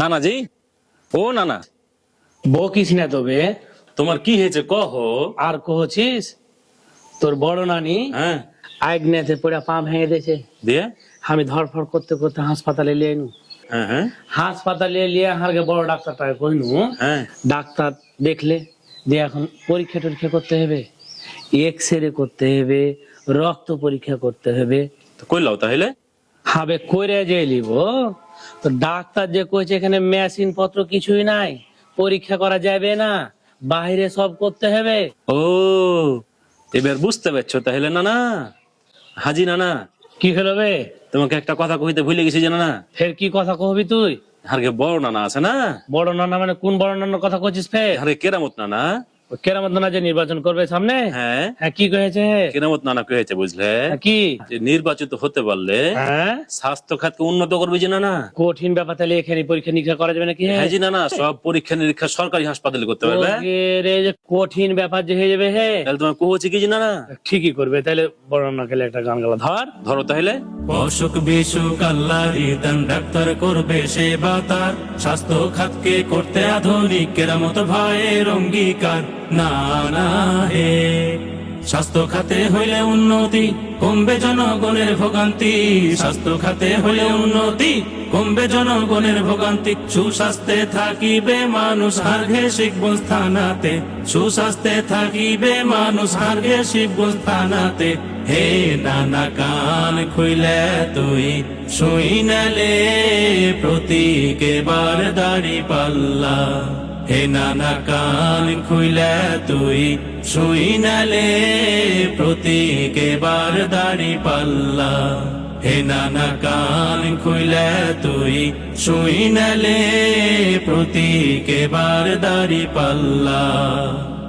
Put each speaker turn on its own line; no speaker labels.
নানাজি, ও নানা,
বকিস না তবে।
তোমার কি হয়েছে কহ।
আর কহছিস তোর বড় নানি
হ্যাঁ,
আগ্নেতে পড়ে পা ভেঙে দিয়েছে।
দিয়ে
আমি ধরফর করতে করতে হাসপাতালে লিয়ে নু।
হ্যাঁ হ্যাঁ
হাসপাতালে লিয়ে হারকে বড় ডাক্তারটাকে কইনু।
হ্যাঁ,
ডাক্তার দেখলে দিয়ে এখন পরীক্ষা টরীক্ষা করতে হবে, এক্সরে করতে হবে, রক্ত পরীক্ষা করতে হবে।
তো কইলাও তাহলে।
হবে করে যে লিব। তো ডাক্তার যে কইছে এখানে মেশিন পত্র কিছুই নাই, পরীক্ষা করা যাবে না, বাইরে সব করতে হবে।
ও, এবার বুঝতে পারছো তাহলে নানা। হাজি নানা,
কি হলো বে?
তোমাকে একটা কথা কইতে ভুলে গেছি যে নানা।
ফের কি কথা কহবি তুই?
হারকে বড় নানা আছে না,
বড় নানা মানে কোন বড় নানার কথা কইছিস ফের?
হারে কেরামত নানা।
ওই কেরামত নানা যে নির্বাচন করবে সামনে,
হ্যাঁ,
হ্যাঁ কি কয়েছে?
কেরামত নানা কি হয়েছে বুঝলে?
হ্যাঁ, কি?
যে নির্বাচিত হতে পারলে
হ্যাঁ,
স্বাস্থ্য খাতকে উন্নত করবে যে নানা।
কঠিন ব্যাপার, তাহলে এখানে পরীক্ষা নিরীক্ষা করা যাবে নাকি?
হ্যাঁ জি নানা, সব পরীক্ষা নিরীক্ষা সরকারি হাসপাতালে করতে পারবে।
ওকে রে, যে কঠিন ব্যাপার যে হয়ে যাবে হে।
তাহলে তোমার কোহচ্ছে কি যে নানা।
ঠিকই করবে, তাহলে বড় নানা গেলে একটা গান গালা ধর।
ধরো তাহলে।
অসুখ বিসুখ আল্লাহরই দান, ডাক্তার করবে সেবা তার, স্বাস্থ্য খাতকে করতে আধুনিক কেরামত ভয়ের অঙ্গীকার। না না হে, স্বাস্থ্য খাতে হইলে উন্নতি, কমবে জনগণের ভোগান্তি। স্বাস্থ্য খাতে হইলে উন্নতি, কমবে জনগণের ভোগান্তি। সুস্বাস্থ্যে থাকিবে মানুষ হারঘে শিখবন স্থানাতে, সুস্বাস্থ্যে থাকিবে মানুষ হারঘে শিখবন স্থানাতে। হে নানা কান খুইলে তুই শুই নালে, প্রতীক এবার দাড়ি পাল্লা। হে নানা কান খুইলে তুই শুই নালে, প্রতীক এবার দাড়ি পাল্লা। হে নানা কান খুইলে তুই শুই নালে, প্রতীক এবার দাড়ি পাল্লা।